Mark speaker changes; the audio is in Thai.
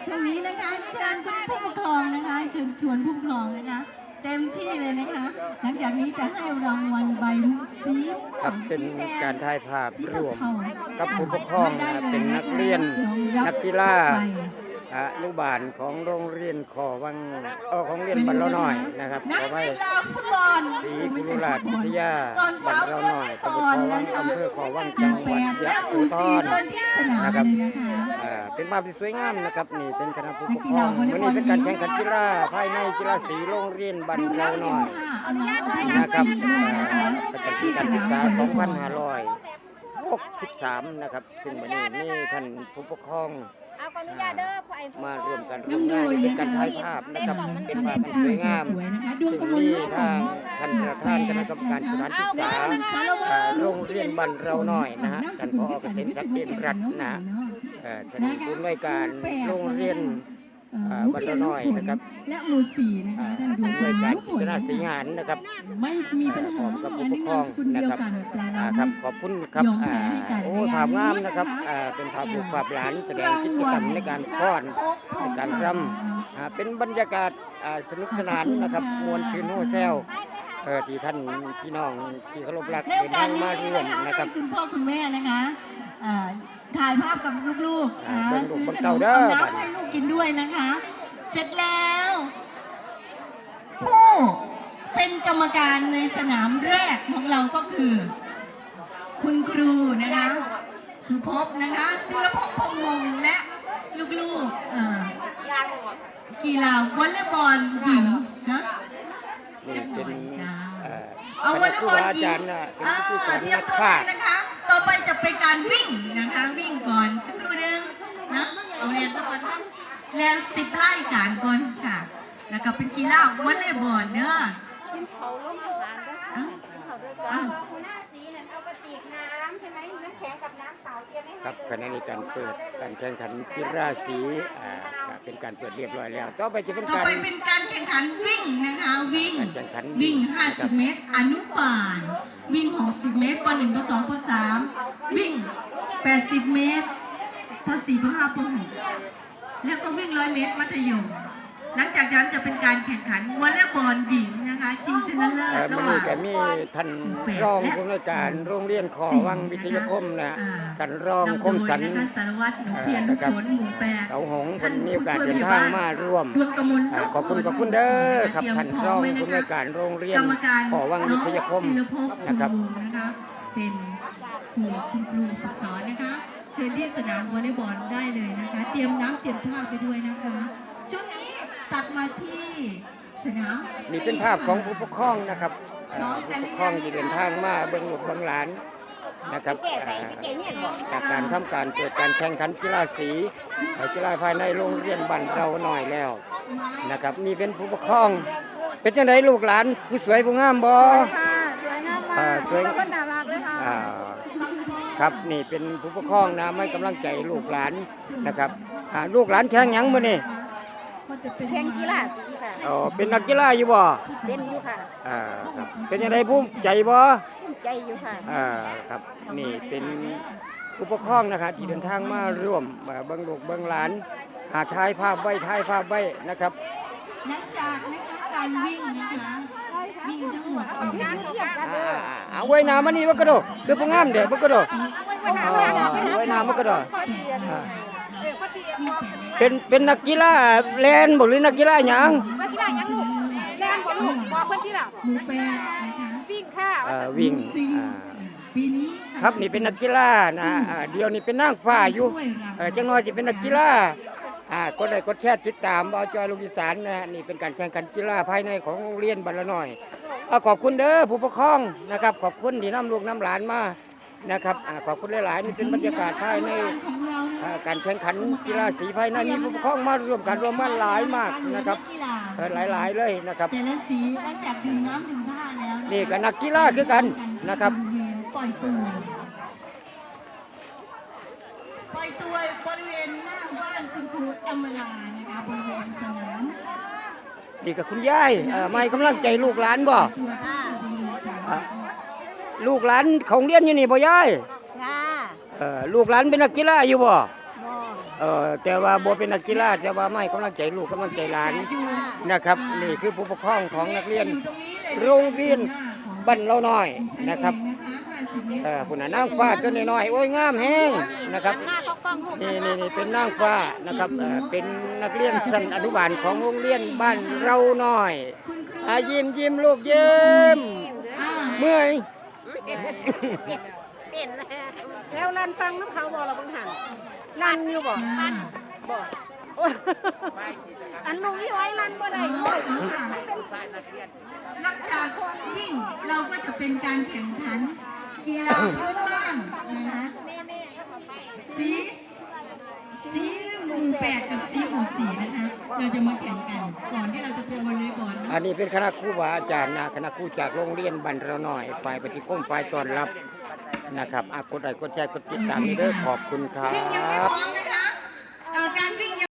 Speaker 1: ช่วงนี้นะคะเชิญคุณผู้ปกครองนะคะเชิญชวนผู้ปกครองนะคะเต็มที่เลยนะคะหลังจากนี้จะให้รางวัลใบสีม่วง
Speaker 2: เป็น
Speaker 1: สีแดง
Speaker 2: การถ่ายภาพ
Speaker 1: สี
Speaker 2: ร่วม
Speaker 1: เทา
Speaker 2: กับผู้ปกครองเป็นนักเรียนนักกีฬาอนุบาลของโรงเรียนขอวังของเรียนบ้านเราหน่อยนะครับ
Speaker 1: นัก
Speaker 2: ขอไว้
Speaker 1: กีฬาฟุตบอล
Speaker 2: ศรีกุลราชวิทยา
Speaker 1: ตอน
Speaker 2: บ้า
Speaker 1: เช้าน
Speaker 2: เราหน่อยตำบลขอวังอำเภอขอวังจังหวัด
Speaker 1: 8
Speaker 2: ยะ
Speaker 1: และห
Speaker 2: โส
Speaker 1: มู่
Speaker 2: ธ
Speaker 1: 4
Speaker 2: ร
Speaker 1: เชิญที่สนาม
Speaker 2: นะครับ
Speaker 1: เลยนะคะ
Speaker 2: เป็นภาพที่สวยงามนะครับนี่เป็นคณะผู้ป
Speaker 1: นั
Speaker 2: ก
Speaker 1: ก
Speaker 2: ค
Speaker 1: กี
Speaker 2: ร
Speaker 1: ฬา
Speaker 2: อง
Speaker 1: วอลเล
Speaker 2: วัน
Speaker 1: ย์บอล
Speaker 2: นี้เป็นการแข่งขันกีฬาภายในกีฬาสีโรงเรียนบ้าน
Speaker 1: ดื่ม
Speaker 2: เรา
Speaker 1: น้ำ
Speaker 2: ห
Speaker 1: ดื่
Speaker 2: น่
Speaker 1: ม
Speaker 2: อย
Speaker 1: ผ้าเอาน้ำให้
Speaker 2: นะครับ
Speaker 1: ด้วยนะคะ
Speaker 2: ประจำปี
Speaker 1: ที่
Speaker 2: การ
Speaker 1: ส
Speaker 2: ศึก
Speaker 1: นาม
Speaker 2: ษาว
Speaker 1: อลเลย์บอล
Speaker 2: 2563นะครับซึ่งวันนี้มีท่านผู้ปกครอง
Speaker 3: เอาขออนุญาตเด้อผู้ไอ้ผู้
Speaker 2: มาร่วมกัน
Speaker 1: น้ำโด
Speaker 2: งาน
Speaker 1: ย
Speaker 2: เป็น
Speaker 1: นะ
Speaker 2: การ
Speaker 1: คะ
Speaker 2: ถ่ายภาพนะครับเป็นภาพที่สวยงาม
Speaker 1: สวยนะคะดวง
Speaker 2: ซึ่ง
Speaker 1: กมล
Speaker 2: มี
Speaker 1: ลูกขอ
Speaker 2: ทาง งท่านประธานคณะกรรมการสถานศึกษาโรงเรียนบ้านเราหน่อยนะฮะท่านผอเกษมศักดิ์เด่นรัตน์นะท่านผู้อำนวยการโรงเรียนบ้านเราหน่อยนะครับ
Speaker 1: และหมู่สี่นะคะท่านดวงก
Speaker 2: ผู้อำนวย
Speaker 1: มล
Speaker 2: การ
Speaker 1: ลูก
Speaker 2: กิ
Speaker 1: ฝ
Speaker 2: จ
Speaker 1: น
Speaker 2: นา
Speaker 1: นะ
Speaker 2: สี
Speaker 1: คะ
Speaker 2: งานนะครับ
Speaker 1: ไม่มีปัญ
Speaker 2: พร้
Speaker 1: หา
Speaker 2: อมกับ
Speaker 1: อั
Speaker 2: ผู้
Speaker 1: น
Speaker 2: ป
Speaker 1: นี้
Speaker 2: กครอง
Speaker 1: นามสกุลเดี
Speaker 2: นะ
Speaker 1: ยว
Speaker 2: ครับ
Speaker 1: กันแต่เรา
Speaker 2: ครั
Speaker 1: ไม่
Speaker 2: บขอบคุณครับ
Speaker 1: ยอมแพ้ให้กัน
Speaker 2: โอ้
Speaker 1: ในงาน
Speaker 2: ภาพงาม
Speaker 1: นี้
Speaker 2: นะครับ
Speaker 1: นะคะ
Speaker 2: เป็นภาพลูกภาพหลานแสดงกิจกรรมในการฟ้อนในการรำเป็นบรรยากาศสนุกสนานนะครับมวลชื่นโฮแซวที่ท่านพี่น้องที่เคารพรัก
Speaker 1: ในโอ
Speaker 2: เดิน
Speaker 1: กา
Speaker 2: ทา
Speaker 1: ส
Speaker 2: ง
Speaker 1: นี้
Speaker 2: มาร่วม
Speaker 1: นะคะ
Speaker 2: นะครับ
Speaker 1: ให้คุณพ่อคุณแม่นะคะถ่ายภาพกับลูกๆ
Speaker 2: เบิ่งลูก
Speaker 1: ซื้อ
Speaker 2: เบิ่ง
Speaker 1: ขน
Speaker 2: เต้าม เด้อ
Speaker 1: เอา
Speaker 2: บัด
Speaker 1: น้ำ
Speaker 2: นี้
Speaker 1: ให้ลูกกินด้วยนะคะ เสร็จแล้ว ผู้เป็นกรรมการในสนามแรกของเราก็คือ คุณครูนะคะครูพบนะคะศิลภพพงษ์มงและลูกๆกีฬาวอลเลย์บอลหญิงนะ
Speaker 2: นี่เป็น
Speaker 1: เอา
Speaker 2: คว
Speaker 1: อ
Speaker 2: ณ
Speaker 1: ลเล
Speaker 2: ค
Speaker 1: ย์
Speaker 2: รู
Speaker 1: บอล
Speaker 2: อา
Speaker 1: หญิ
Speaker 2: จารง ย์นะเป็นผู้สอน
Speaker 1: เตรีย
Speaker 2: นั
Speaker 1: ม
Speaker 2: ก
Speaker 1: ตัว
Speaker 2: ฆ่า
Speaker 1: เลยนะคะ ต่อไปจะเป็นการวิ่งนะคะ วิ่งก่อนสักครู่นึงนะเอาเรียนสักคนเรียน10 ไร่การก่อนค่ะ แล้วก็เป็นกีฬาวอลเลย์บอลเนอะ
Speaker 3: กินเขาล้มอาหารก็
Speaker 1: อ้าว
Speaker 3: กินเขาด้วยกัน
Speaker 1: อ้าว
Speaker 3: หัวหน้าสีนั่นเอากระติกน้ำใช่ไหมน้ำแข็งกับน้ำเปล่าเตรียมให้
Speaker 2: ครับขณะนี้การเปิดการแข่งขันกีฬาสีเป็นการเปิดเรียบร้อยแล้วต่อไปจะเป็น
Speaker 1: ต่อ
Speaker 2: การ
Speaker 1: ไปเป็นการแข่งขันวิ่งนะคะ วิ่ง
Speaker 2: การแข่งขัน
Speaker 1: วิ่ง
Speaker 2: นะครับ
Speaker 1: 50 เมตร อนุบาล วิ่ง 60 เมตรป .1 ป .2 ป .3 วิ่ง 80 เมตรป .4 ป .5 ป .6 แล้วก็วิ่ง 100 เมตร มัธยม หลังจากนั้นจะเป็นการแข่งขันวอลเลย์บอลหญิงนะคะ ชิงชนะเลิศระ
Speaker 2: มัน
Speaker 1: หว่า
Speaker 2: นี่
Speaker 1: ง
Speaker 2: ก็มีท่านรองผู้อำนวยการโรงเรียนขอวังวิทยาคมนะท่านรองคมสัน
Speaker 1: นำโดยนะคะสารวัตรหนูเพียรนุฝนหมู่ 8
Speaker 2: เขาหงคนมีโอกาสเดินทางมาร่วม
Speaker 1: ดวงกมล
Speaker 2: ขอบคุณเด้อครับท่านรองผู้อำนวยการโรงเรียน
Speaker 1: กรรมการ
Speaker 2: ขอวังวิทยาคม
Speaker 1: ศิลภพ
Speaker 2: นะครับ
Speaker 1: วงศ์นะคะเป็นคุณครูฝึกสอนนะคะ เชิญที่สนามวอลเลย์บอลได้เลยนะคะ เตรียมน้ำเตรียมท่าไปด้วยนะคะช่วงนี้ตัดมาที่สนาม
Speaker 2: นี่เป็นภาพของผู้ปกครองนะครับผู้ปกครองที่เดินทางมาเบิ่งลูกเบิ่งหลานนะครับ
Speaker 3: แก่ใส่แก่เนี่ยบอก
Speaker 2: จากการทำการเปิดการแข่งขันกีฬาสีกีฬาภายในโรงเรียนบ้านเราหน่อยแล้วนะครับนี่เป็นผู้ปกครอง เป็นจังไดลูกหลานผู้สวยผู้งามบ่
Speaker 3: ค่ะสวยงามมาก
Speaker 2: สวย
Speaker 3: คนน่ารักเลยค่ะ
Speaker 2: อ่าครับนี่เป็นผู้ปกครองนะไม่กำลังใจลูกหลานนะครับลูกหลานแข่งหยังมื้อนี้
Speaker 3: แข่งกีฬาสีค่ะ
Speaker 2: อ๋อเป็นนักกีฬาอยู่บ่
Speaker 3: เป็นอยู่ค่ะ
Speaker 2: ครับเป็นจังไดภูมิใจบ่
Speaker 3: ภูมิใจอยู่ค่ะ
Speaker 2: ครับนี่เป็นผู้ปกครองนะครับที่เดินทางมาร่วมเบิ่งลูกเบิ่งหลานถ่ายภาพไว้นะครับ
Speaker 1: หลังจากนะคะการวิ่งนะคะวิ่งทั้งหมด
Speaker 2: เอาไว้น้ำมันนี่บ่กระโดดคือผู้งามเด้บ่กระโดดไว้น้ำบ่กระโดดเป็นนักกีฬาแล่นบ่หรือนักกีฬาหยัง
Speaker 3: ว่ากีฬายังลูกแล่นบ่ลูกบอกเพิ่นที่ล่ะ
Speaker 1: หมู่แปดนะคะ
Speaker 3: วิ่งค่ะ
Speaker 2: วิ่ง
Speaker 1: สี่ปีนี้ะ
Speaker 2: ครับนี่เป็นนักกีฬานะเดี๋ยวนี้เป็นนางฟ้าอยู่จังน้อยสิเป็นนักกีฬากดไลค์กดแชร์ติดตามเอาจอยลูกอีสานนะนี่เป็นการแข่งขันกีฬาภายในของโรงเรียนบ้านละน้อยขอบคุณเด้อผู้ปกครองนะครับขอบคุณที่นำลูกนำหลานมานะครับขอบคุณหลายๆนี่เป็นบรรยากาศภายใน
Speaker 1: ของเรานะคะ
Speaker 2: การแข่งขันกีฬาสีภายในมีผู้ปกครองมาร่วมกันรวมมาหลายมากนะครับ หลายๆเลยนะครับ
Speaker 1: แต่ละสีหลังจากดื่มน้ำดื่มท่าแล้วะคะ
Speaker 2: นี่ก็นักกีฬาคือกันนะครับ
Speaker 1: ปล่อยตัวปล่อยตัวบริเวณหน้าบ้านคุณครูอมรานะคะบริเวณสนาม
Speaker 2: นี่ก็คุณยายไม่กำลังใจลูกหลานบ่
Speaker 1: ตัวที่บริเวณสนาม
Speaker 2: ลูกหลานของเรียนอยู่นี่บ่ยาย
Speaker 3: ค่ะ
Speaker 2: ลูกหลานเป็นนักกีฬาอยู่บ่
Speaker 3: บ่
Speaker 2: แต่ว่าบ่เป็นนักกีฬาแต่ว่าไม่กำลังใจลูกกำลังใจหลานนะครับนี่คือผู้ปกครองของนักเรียนโรงเรียนบ้านเราน้อยนะครับผู้น่ะนางฟ้าตัวน้อยๆโอ้ยงามแฮงนะครับนี่เป็นนางฟ้านะครับเป็นนักเรียนชั้นอนุบาลของโรงเรียนบ้านเราน้อยยิ้มลูกยิ้มเมื่อย
Speaker 3: แล้วรันฟังน้ำเขาบอกเราบังหันรันอยู่บอกบอกอันลุงนี่ไว้รันบ่ได้ด้วย
Speaker 1: หลังจากวิ่งเราก็จะเป็นการแข่งขันกีฬาพื้นบ้านนะคะสีหมู่8กับสีหมู่4นะคะเราจะมาแข่งกันก่อนที่เราจะไปวอลเลย์บอล
Speaker 2: อันนี้เป็นคณะครูบาอาจารย์นะคณะครูจากโรงเรียนบ้านเราน้อยฝ่ายปฏิคมฝ่ายต้อนรับนะครับกดไลค์กดแชร์กดติดตามนี่เด้อขอบคุณครั
Speaker 1: ยังไม่
Speaker 2: บ
Speaker 1: พร้อมนะ